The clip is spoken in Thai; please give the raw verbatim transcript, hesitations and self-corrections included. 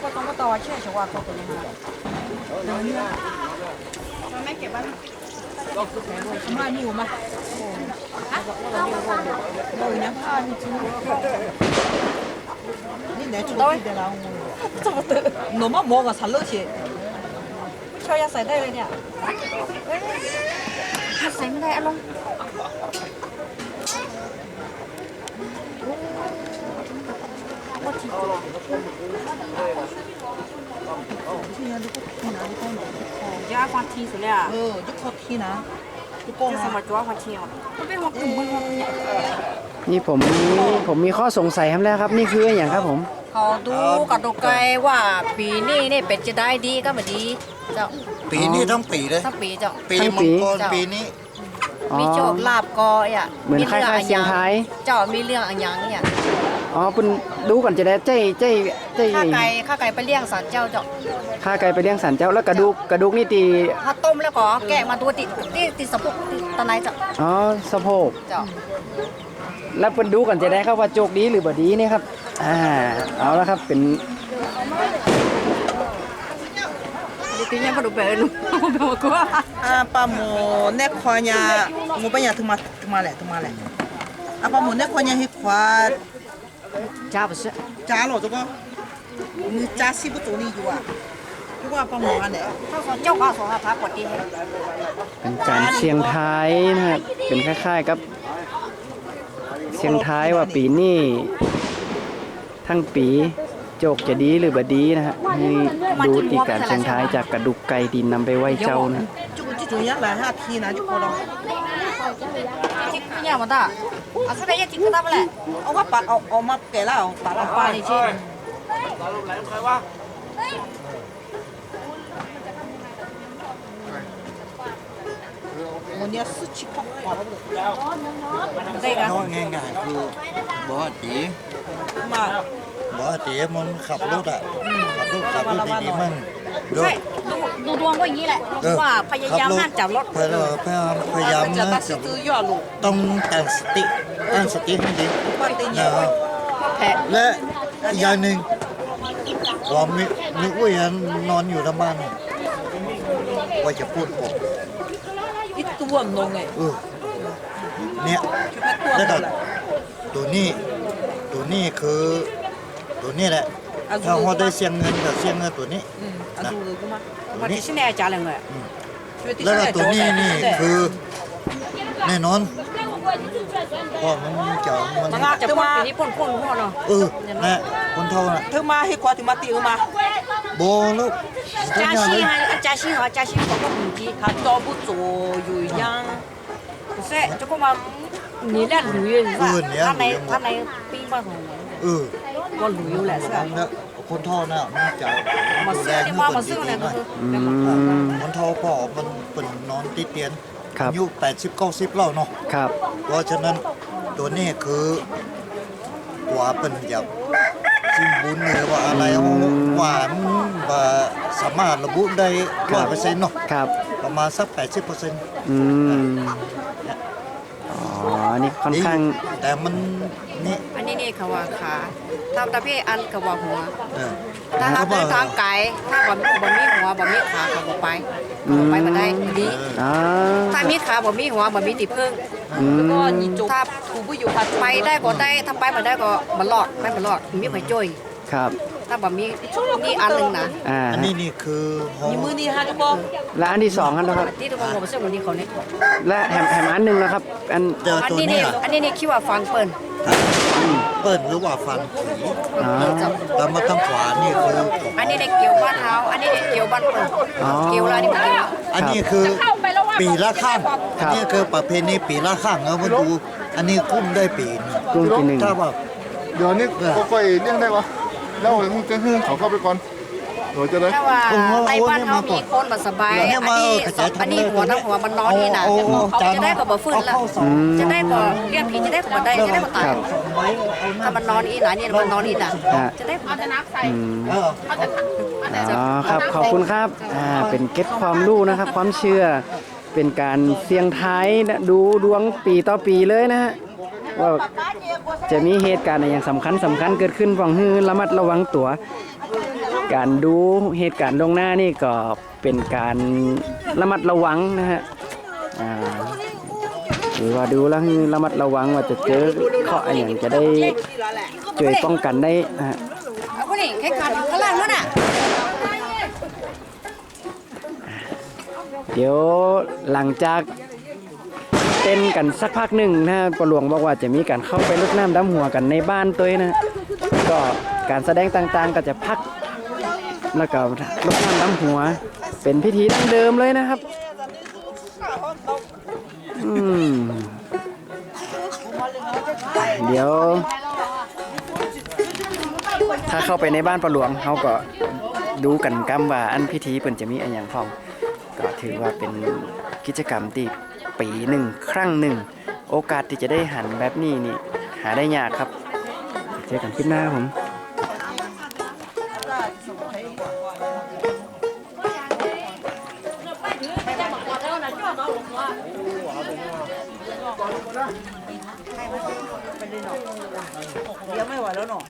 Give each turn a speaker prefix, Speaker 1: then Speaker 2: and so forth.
Speaker 1: ต้องมาต่อเชื่อชัวร์ตัวตัวนี้มาไม่เก็บบ้านมานี่อยู่มาฮะโดยนะผ้านี่ชิ้นนี่ไหนจุดที่เดี๋ยวเราจะมาเตะหนูมาหมอกับฉันเลิกเชียไม่ช่วยยาใส่ได้เลยเนี่ยใส่ไม่ได้อารมณ์ว่าทีที่นี่ลูกทีนะลูกหนูยาความทีสุดเลยอ่ะเออยุคเขาทีนะยุคโกงสมัยตัวความทีอ่ะมันเป็นหัวกลุ่มมันหัว
Speaker 2: นี่ผมผมมีข้อสงสัยครับแล้วครับนี่คืออย่างครับผม
Speaker 1: เขาดูกับดูไกลว่าปีนี้เนี่ยเป็ดจะได้ดีก็ไม่ดีเจ้า
Speaker 3: ปีนี้ทั้งปีเลย
Speaker 1: ทั้งปีเจ้า
Speaker 3: ปีมังกรปีนี้
Speaker 1: มีโชคลาภก็อ่ะ
Speaker 2: เหมือนคล้ายๆเสียงไทย
Speaker 1: เจ้ามีเรื่องอะไรอย่างเนี่ย
Speaker 2: อ๋อเป็นดูก่อนจะได้เจ้เจ้เจ้
Speaker 1: ข้าไก่ข้าไก่ไปเลี้ยงสัตว์เจ้าเจ้า
Speaker 2: ข้าไก่ไปเลี้ยงสัตว์เจ้าแล้วกระดูกกระดูกนี่ตี
Speaker 1: ถ้าต้มแล้วก็แกะมาตัวติดติดติดสะโพกตะไนเจ้า
Speaker 2: อ๋อสะโพก
Speaker 1: เจ้า
Speaker 2: แล้วเป็นดูก่อนจะได้ครับว่าโจกดีหรือบ่ดีนี่ครับอ่าเอาแล้วครับเป็น
Speaker 1: ที่ยังพอดูไปลูกบอกว่าอ่าปลาหมูเนคควายาหมูปัญญาถึงมาถึงมาแหละถึงมาแหละอ่าปลาหมูเนคควายาให้ควาจ้า不是จ้าหรอ这个你จ้า西不走你อยู่อ่ะทุกว่าปลาหมูอันไหนถ้าสอนเจ้าว่าสอนพระกดดี
Speaker 2: เป็นจานเชียงไทยนะครับเป็นคล้ายๆกับเชียงไทยว่าปีนี้ทั้งปีโจกจะดีหรือบ่ดีนะฮะนี่ดูตีการเชียงไทยจากกระดูกไก่ดินนำไปไว้เจ้านะ
Speaker 1: จุกจิจุยักษ์หลายห้าทีนะจุกพอลองจิกเนี่ยมันได้อ่ะสักอย่างจิกก็ได้ไปแหละเอาว่าปะเอาเอามาแก่แล้วปะละปะนี่ใช่วันนี้สุดชิบะ
Speaker 3: น้อยง่ายๆคือบ่อตี
Speaker 1: มา
Speaker 3: บ่อตีมันขับรถอ่ะขับรถขับรถดีๆมัน
Speaker 1: ใช่ดูดูดวงก็อย่างนี้แหละว่าพยายามห้ามจับรถ
Speaker 3: พยายามพยายามนะจับต้องตั้งสติตั้งสติให้ดีนะครับและอย่างหนึ่งว่ามีมีอุ้ยนอนอยู่ที่บ้านว่าจะพูดผม
Speaker 1: อีตัวน้องไง
Speaker 3: เออเนี่ยแล้วก็ตัวนี้ตัวนี้คือตัวนี้แหละถ้าเราได้เสียงเงินกับเสียงเงินตัวนี้นะ
Speaker 1: ตัวนี้ที่ไหนจ่ายเลยไง
Speaker 3: แล้วก็ตัวนี้นี่คือแน่นอนเพราะมันจะ
Speaker 1: มันจะพ่นปีนี้พ่นพ่นพ่นเนาะ
Speaker 3: เออนะคนเท่าน่ะ
Speaker 1: เธอมาให้ควาถึงมาตีเออมา
Speaker 3: โบลูก
Speaker 1: จ้าชิง啊จ้าชิง啊จ้าชิงบอกว่า不急他都不做有样不是这个嘛你俩旅游是吧他来他来宾嘛ของ
Speaker 3: เออ
Speaker 1: ก็旅游แหละใช่
Speaker 3: ไหมคนเท่าน่ะมันจะ
Speaker 1: มาซื้อที่ว่ามาซื้อเนี่ยก็คือ
Speaker 3: คนเท่าพ่อมันเป็นนอนติดเตียงอายุแปดสิบเก้าสิบแล้วเนาะ
Speaker 2: ครับ
Speaker 3: เพราะฉะนั้นตัวนี้คือว่าเป็นแบบสิ่งบุญหรือว่าอะไรหวานว่าสามารถระบุได้ร้อยเปอร์เซ็นต์เนาะ
Speaker 2: ครับ
Speaker 3: ประมาณสักแปดสิบเปอร์เซ็นต์
Speaker 2: อืมอ๋อนี่ค่อนข้าง
Speaker 3: แต่มันนี่
Speaker 1: อันนี้นี่เขาว่าขาทำตาพี่อันเขาว่าหัวถ้าทำทางไก่ถ้าบ่บ่มีหัวบ่มีขาเขาบ่ไปไปมาได้ดีถ้ามีขาบ่มีหัวบ่มีติพึ่งก็ถ้าถูผู้อยู่ไปได้ก็ได้ถ้าไปมาได้ก็บ่รอดไปบ่รอดมีไผจ่อย
Speaker 2: ครับ
Speaker 1: ถ้าบ่มีนี่อันนึงนะ
Speaker 3: อันนี้นี่คือ
Speaker 1: มีมือนี่ฮะทุกคน
Speaker 2: และอันที่สองครับ
Speaker 1: ที่ทุกคนบ่ซื้อวันนี้เขานี่
Speaker 2: และแถมแถมอันนึงนะครับอัน
Speaker 1: อันนี้นี่อันนี้นี่คิดว่าฟังเปิ้น
Speaker 3: เปิ้นหรือว่าฟันแต่มาทางขวานี่คือ
Speaker 1: อันนี้ในเกี่ยวบ้านเฮาอันนี้ในเกี่ยวบ้านเปิ้นเกี่ยวลานี่มันเกี่ยว
Speaker 3: อันนี้คือปีละข้างอันนี้คือประเพณีปีละข้างเอามาดูอันนี้กุ้มได้ปี
Speaker 2: กุ้มปีนึง
Speaker 3: ถ้าว่า
Speaker 4: เดี๋ยวนี้ค่อยๆเลี้ยงได้ปะแล้วมึงจะให้เขาเข้าไปก่อนเดี๋ยวจะได้
Speaker 1: ถ้าว่าในบ้านเขามีคนมาสบายอันนี้อันนี้หัวน้ำหัวมันนอนนี่นะจะได้ก็บ่ฟื้นละจะได้ก็เลี้ยงผีจะได้ก็บ่ได้จะได้ก็ตายถ้ามันนอนอีหนานี่มันนอนอีหนาจะได้พัฒนาใส่
Speaker 2: อ๋อครับขอบคุณครับอ่าเป็นเก็บความรู้นะครับความเชื่อเป็นการเสี่ยงทายดูดวงปีต่อปีเลยนะฮะว่าจะมีเหตุการณ์อะไรอย่างสำคัญสำคัญเกิดขึ้นฟังฮือระมัดระวังตัวการดูเหตุการณ์ลวงหน้านี่ก็เป็นการระมัดระวังนะฮะอ่าหรือว่าดูแล้วระมัดระวังว่าจะเจอเคราะห์อะไรอย่างจะได้ช่วยป้องกันได้นะฮะเดี๋ยวหลังจากเต้นกันสักพักหนึ่งนะปหลวงบอกว่าจะมีการเข้าไปรดน้ำดำหัวกันในบ้านตัวนะก็การแสดงต่างๆก็จะพักแล้วก็รดน้ำดำหัวเป็นพิธีดั้งเดิมเลยนะครับอืมเดี๋ยวถ้าเข้าไปในบ้านปหลวงเขาก็ดูกันกำว่าอันพิธีเปิ่นจะมีอะไรอย่างพ้องก็ถือว่าเป็นกิจกรรมที่ปีหนึ่งครั้งหนึ่งโอกาสที่จะได้หันแบบนี้นี่หาได้ยากครับเจอกันคลิปหน้าผม